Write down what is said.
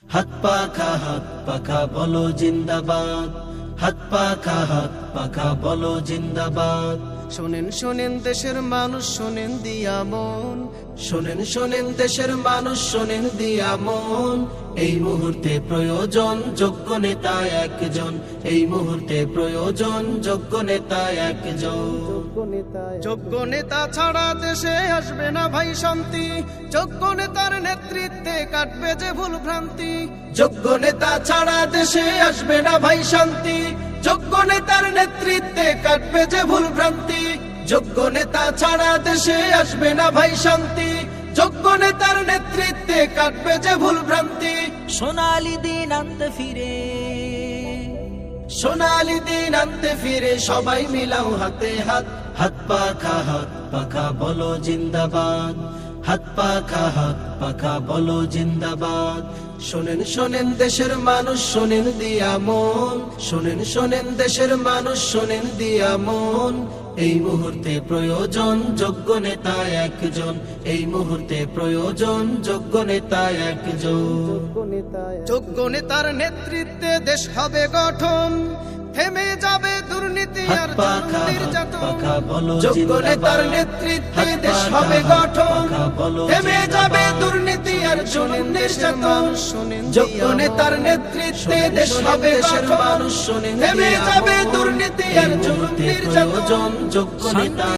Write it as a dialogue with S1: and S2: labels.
S1: হাত পাখা বলো জিন্দাবাদ, হাত পাখা বলো জিন্দাবাদ।
S2: শোনেন শোনেন দেশের মানুষ, শোনেন দিয়া মন,
S1: শোনেন শোনেন দেশের মানুষ, শোনেন দিয়া মন। এই মুহূর্তে প্রয়োজন যোগ্য নেতা একজন, এই মুহূর্তে প্রয়োজন যোগ্য নেতা একজন।
S2: যোগ্য নেতা ছাড়া দেশে আসবে না ভাই শান্তি, যোগ্য নেতার নেতৃত্বে কাটবে যে ভুল ভ্রান্তি।
S1: যোগ্য নেতা ছাড়া দেশে আসবে না ভাই শান্তি, যোগ্য নেতার নেতৃত্বে কাটবে যে ভুল ভ্রান্তি। যোগ্য নেতা ছাড়া দেশে আসবে না ভাই শান্তি, যোগ্য নেতার নেতৃত্বে কাটবে যে ভুল ভ্রান্তি।
S3: সোনালি দিন আনতে ফিরে,
S1: সোনালি দিন আনতে ফিরে সবাই মিলাও হাতে হাত। হাত পাখা বলো জিন্দাবাদ, হাত পাখা বলো জিন্দাবাদ। শোনেন শোনেন দেশের মানুষ, শোনেন দিয়া মন, শোনেন শোনেন দেশের মানুষ, শোনেন দিয়া মন। এই মুহূর্তে প্রয়োজন যোগ্য নেতা একজন, এই মুহূর্তে প্রয়োজন যোগ্য নেতা একজন।
S2: যোগ্য নেতার নেতৃত্বে দেশ হবে গঠন, থেমে যাবে দুর্নীতি আর জুলুম নির্যাতন।
S1: যোগ্য নেতার নেতৃত্বে দেশ হবে গঠন, থেমে যাবে দুর্নীতি আর জুলুম নির্যাতন। যোগ্য নেতার নেতৃত্বে দেশ হবে গঠন, থেমে যাবে দুর্নীতি আর জুলুম নির্যাতন। যোগ্য নেতা